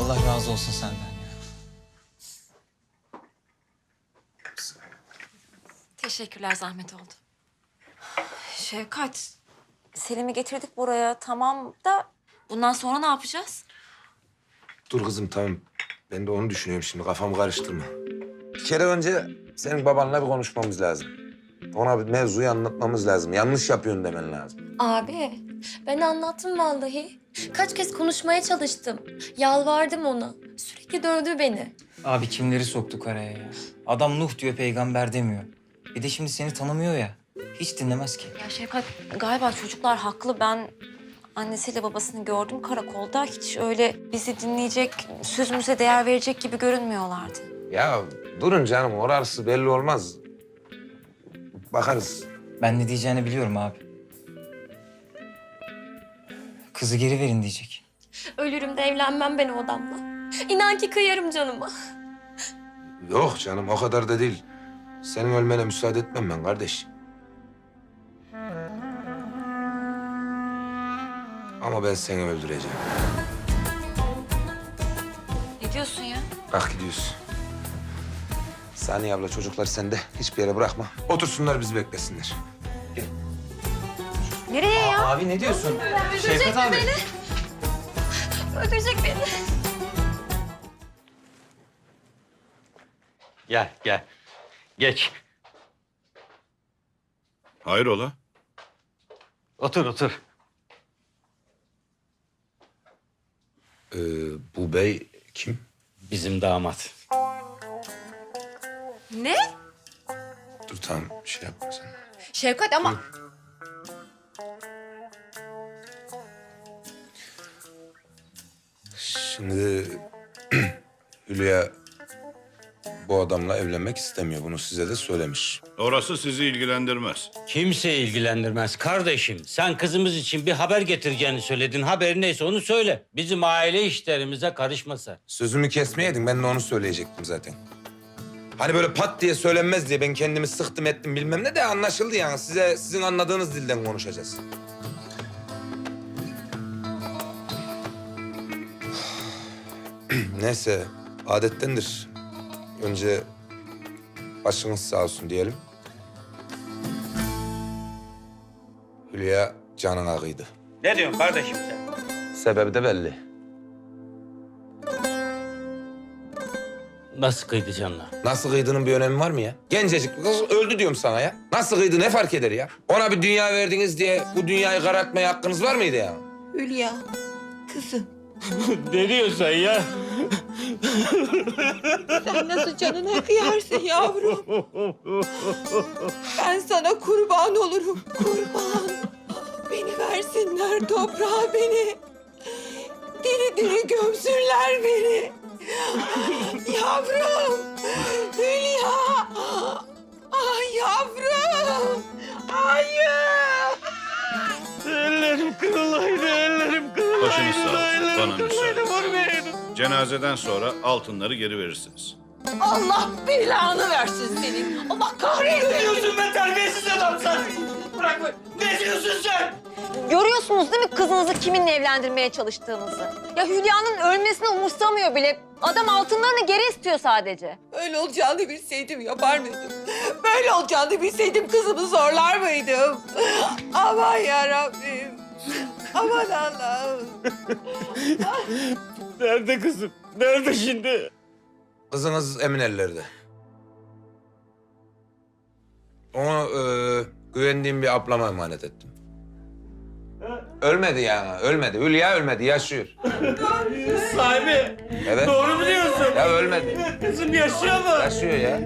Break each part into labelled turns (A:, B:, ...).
A: Allah razı olsun senden ya.
B: Teşekkürler, zahmet oldu. Şevkat, Selim'i getirdik buraya, tamam da bundan sonra ne yapacağız?
C: Dur kızım tamam. Ben de onu düşünüyorum şimdi. Kafamı karıştırma. Bir kere önce senin babanla bir konuşmamız lazım. Ona bir mevzuyu anlatmamız lazım. Yanlış yapıyorsun demen lazım.
D: Abi, ben anlattım vallahi. Kaç kez konuşmaya çalıştım. Yalvardım ona. Sürekli dövdü beni.
A: Abi kimleri soktuk araya ya? Adam Nuh diyor, peygamber demiyor. Bir de şimdi seni tanımıyor ya. Hiç dinlemez ki.
B: Ya Şevkat, galiba çocuklar haklı. Ben annesiyle babasını gördüm karakolda. Hiç öyle bizi dinleyecek, sözümüze değer verecek gibi görünmüyorlardı.
C: Ya durun canım. Orası belli olmaz. Bakarız.
A: Ben ne diyeceğini biliyorum abi. Kızı geri verin diyecek.
D: Ölürüm de evlenmem ben o adamla. İnan ki kıyarım canıma.
C: Yok canım o kadar da değil. Senin ölmene müsaade etmem ben kardeş. Ama ben seni öldüreceğim.
B: Ne diyorsun ya?
C: Kalk gidiyoruz. Saniye abla çocuklar sende. Hiçbir yere bırakma. Otursunlar bizi beklesinler.
B: Nereye ya?
A: Abi ne diyorsun? Şevkat abi.
D: Öldürecek beni.
E: Gel, gel. Geç.
F: Hayrola?
E: Otur, otur.
C: Bu bey kim?
E: Bizim damat.
B: Ne?
C: Dur tamam şey yapma sen.
B: Şevkat ama...
C: Şimdi Hülya bu adamla evlenmek istemiyor. Bunu size de söylemiş.
F: Orası sizi ilgilendirmez.
E: Kimse ilgilendirmez kardeşim. Sen kızımız için bir haber getireceğini söyledin. Haber neyse onu söyle. Bizim aile işlerimize karışma sen.
C: Sözümü kesmeyeydin ben de onu söyleyecektim zaten. Hani böyle pat diye söylenmez diye ben kendimi sıktım ettim bilmem ne de anlaşıldı yani. Size sizin anladığınız dilden konuşacağız. Neyse adettendir. Önce başınız sağ olsun diyelim. Hülya canına kıydı.
E: Ne diyorsun kardeşim sen?
C: Sebebi de belli.
E: Nasıl kıydı canına?
C: Nasıl kıydığının bir önemi var mı ya? Gencecik bir kız öldü diyorum sana ya. Nasıl kıydı ne fark eder ya? Ona bir dünya verdiniz diye bu dünyayı karartmaya hakkınız var mıydı ya?
G: Hülya, kızım
E: Ne diyorsun sen ya?
G: sen nasıl canına kıyarsın yavrum? Ben sana kurban olurum, kurban. Beni versinler toprağa beni. Diri diri gömsünler beni. Yavrum, Hülya. Ah yavrum. Hayır.
E: Ellerim kırılaydı, ellerim kırılaydı.
F: Başınız sağ olsun, bana müsaade.
E: Vurmayaydı.
F: Cenazeden sonra altınları geri verirsiniz.
G: Allah belanı versin senin. Allah kahretsin.
E: Ne diyorsun be terbiyesiz adam sen? Bırak be. Ne diyorsun sen?
B: Görüyorsunuz değil mi kızınızı kiminle evlendirmeye çalıştığınızı? Ya Hülya'nın ölmesini umursamıyor bile. Adam altınlarını geri istiyor sadece.
G: Öyle olacağını bilseydim yapar mıydım? Böyle olacağını bilseydim kızımı zorlar mıydım? Aman yarabbim. Aman Allah'ım.
E: Nerede kızım? Nerede şimdi?
C: Kızınız emin ellerde. Onu güvendiğim bir ablama emanet ettim. Ölmedi yani, ölmedi. Hülya ölmedi, yaşıyor.
E: Sahibi.
C: Evet.
E: Doğru mu diyorsun?
C: Ya ölmedi.
E: Kızım yaşıyor mu?
C: Yaşıyor ya.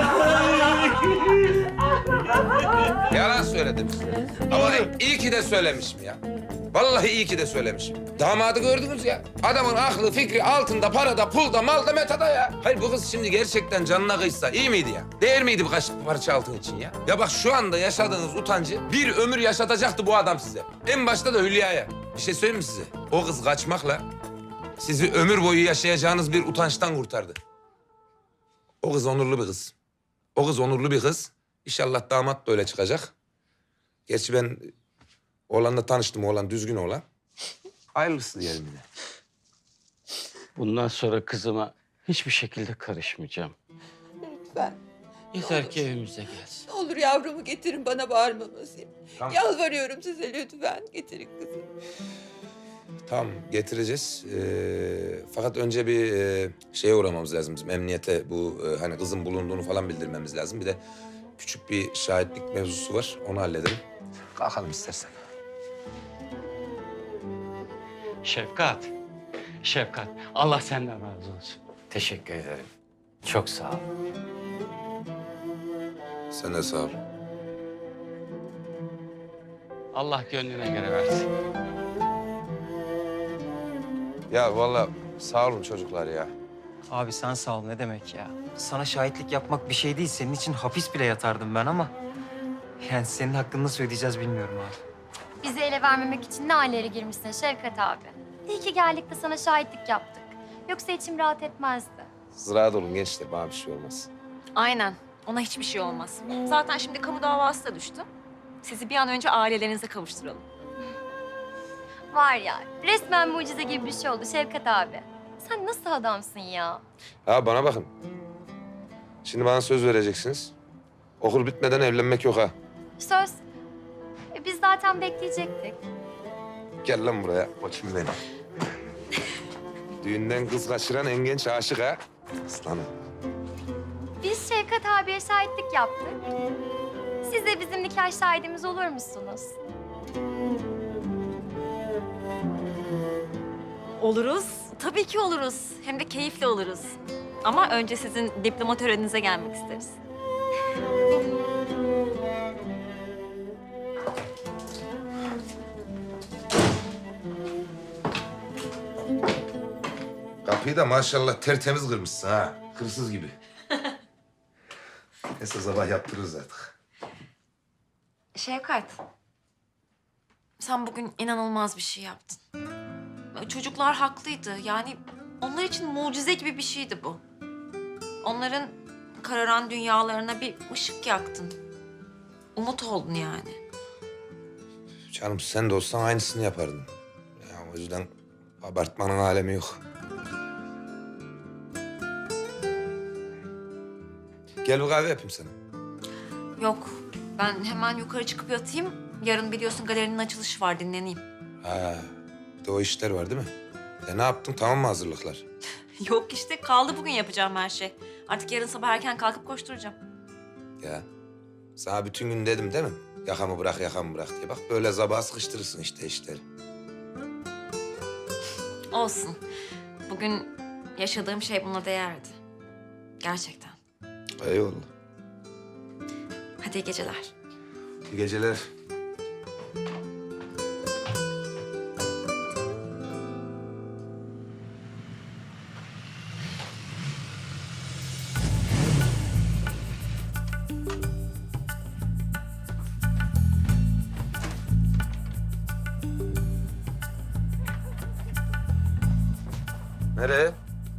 C: Yalan söyledim size. Ama iyi ki de söylemişim ya. Vallahi iyi ki de söylemişim. Damadı gördünüz ya. Adamın aklı, fikri altında, parada, pulda, malda, metada ya. Hayır bu kız şimdi gerçekten canına kıysa iyi miydi ya? Değer miydi birkaç parça altın için ya? Ya bak şu anda yaşadığınız utancı bir ömür yaşatacaktı bu adam size. En başta da Hülya'ya. Bir şey söyleyeyim mi size? O kız kaçmakla sizi ömür boyu yaşayacağınız bir utançtan kurtardı. O kız onurlu bir kız. O kız onurlu bir kız. İnşallah damat da öyle çıkacak. Gerçi ben oğlanla tanıştım. Oğlan düzgün oğlan. Hayırlısı diyelim yine.
E: Bundan sonra kızıma hiçbir şekilde karışmayacağım.
G: Lütfen.
E: Yeter ki evimize gelsin.
G: Ne olur yavrumu getirin bana bağırmaması.
C: Tamam.
G: Yalvarıyorum size lütfen getirin kızım.
C: Tamam getireceğiz. Fakat önce bir şeye uğramamız lazım. Bizim emniyete bu hani kızın bulunduğunu falan bildirmemiz lazım. Bir de küçük bir şahitlik mevzusu var. Onu halledelim. Kalkalım istersen.
E: Şefkat. Şefkat. Allah senden razı olsun. Teşekkür ederim. Çok sağ ol.
C: Sen de sağ ol.
E: Allah gönlüne göre versin.
C: Ya vallahi sağ olun çocuklar ya.
A: Abi sen sağ ol ne demek ya. Sana şahitlik yapmak bir şey değil. Senin için hapis bile yatardım ben ama... Yani senin hakkını nasıl ödeyeceğiz bilmiyorum abi.
H: Bizi ele vermemek için ne hallere girmişsin Şevkat abi. İyi ki geldik de sana şahitlik yaptık. Yoksa içim rahat etmezdi.
C: Rahat olun gençler, bana bir şey olmaz.
B: Aynen. Ona hiçbir şey olmaz. Zaten şimdi kamu davası da düştü. Sizi bir an önce ailelerinize kavuşturalım.
H: Var ya, resmen mucize gibi bir şey oldu Şevkat abi. Sen nasıl adamsın ya?
C: Ha bana bakın. Şimdi bana söz vereceksiniz. Okul bitmeden evlenmek yok ha.
H: Söz. Biz zaten bekleyecektik.
C: Gel lan buraya. Bakayım beni. Düğünden kız kaçıran en genç aşık ha. Aslanım.
H: Biz Şevkat abiye şahitlik yaptık. Siz de bizim nikah şahidimiz olur musunuz?
B: Oluruz. Tabii ki oluruz. Hem de keyifli oluruz. Ama önce sizin diploma töreninize gelmek isteriz.
C: Kapıyı da maşallah tertemiz kırmışsın ha. Hırsız gibi. Neyse sabah yaptırırız artık.
B: Şevkat, sen bugün inanılmaz bir şey yaptın. Çocuklar haklıydı. Yani onlar için mucize gibi bir şeydi bu. Onların kararan dünyalarına bir ışık yaktın. Umut oldun yani.
C: Canım sen de olsan aynısını yapardın. Ya, o yüzden abartmanın alemi yok. Gel bir kahve yapayım sana.
B: Yok, ben hemen yukarı çıkıp yatayım. Yarın biliyorsun galerinin açılışı var, dinleneyim.
C: Ha, bir de o işler var değil mi? Ne yaptın? Tamam mı hazırlıklar?
B: Yok işte, kaldı bugün yapacağım her şey. Artık yarın sabah erken kalkıp koşturacağım.
C: Ya sana bütün gün dedim değil mi? Yakamı bırak, yakamı bırak diye. Bak böyle sabaha sıkıştırırsın işte işleri.
B: Olsun. Bugün yaşadığım şey buna değerdi. Gerçekten.
C: Eyvallah.
B: Hadi iyi geceler.
C: İyi geceler. Nereye?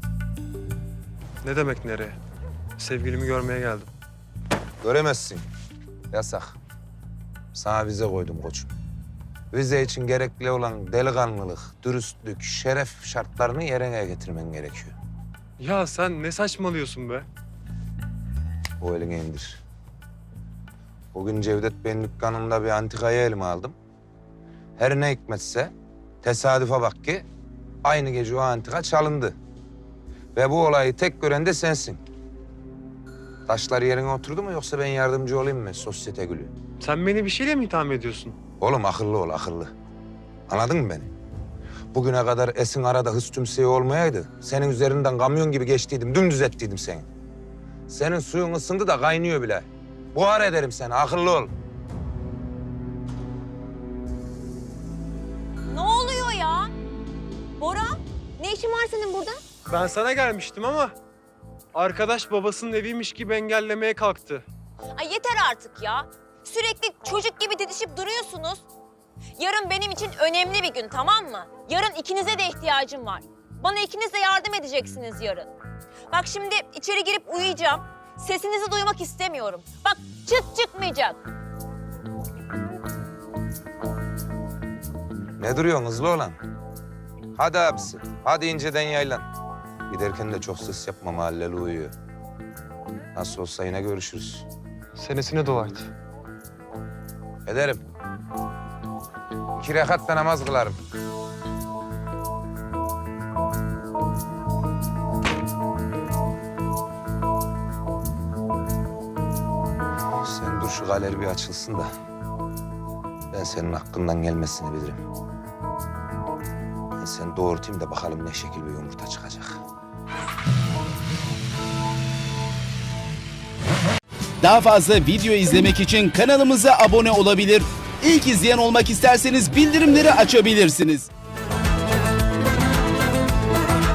I: Ne demek nereye? Sevgilimi görmeye geldim.
C: Göremezsin. Yasak. Sana vize koydum koçum. Vize için gerekli olan delikanlılık, dürüstlük, şeref şartlarını yerine getirmen gerekiyor.
I: Ya sen ne saçmalıyorsun be?
C: O elini indir. Bugün Cevdet Bey'in dükkanında bir antikayı elime aldım. Her ne hikmetse tesadüfe bak ki aynı gece o antika çalındı. Ve bu olayı tek gören de sensin. Taşlar yerine oturdu mu yoksa ben yardımcı olayım mı sosyete gülü?
I: Sen beni bir şeyle mi itham ediyorsun?
C: Oğlum akıllı ol, akıllı. Anladın mı beni? Bugüne kadar Esin arada hız tümseyi olmayaydı, senin üzerinden kamyon gibi geçtiydim, dümdüz ettiydim seni. Senin suyun ısındı da kaynıyor bile. Buhar ederim seni, akıllı ol.
B: Ne oluyor ya? Bora, ne işin var senin burada?
I: Ben sana gelmiştim ama arkadaş babasının eviymiş gibi engellemeye kalktı.
J: Ay yeter artık ya. Sürekli çocuk gibi didişip duruyorsunuz. Yarın benim için önemli bir gün, tamam mı? Yarın ikinize de ihtiyacım var. Bana ikiniz de yardım edeceksiniz yarın. Bak şimdi içeri girip uyuyacağım. Sesinizi duymak istemiyorum. Bak çıt çıkmayacak.
C: Ne duruyorsun hızlı olan? Hadi abisi, hadi inceden yaylan. Giderken de çok ses yapma, mahalleli uyuyor. Nasıl olsa yine görüşürüz.
I: Senesine dua et.
C: Ederim. 2 rekat da namaz kılarım. Sen dur şu galeri bir açılsın da ben senin hakkından gelmesini bilirim. Ben seni doğurtayım da bakalım ne şekil bir yumurta çıkacak.
K: Daha fazla video izlemek için kanalımıza abone olabilir. İlk izleyen olmak isterseniz bildirimleri açabilirsiniz.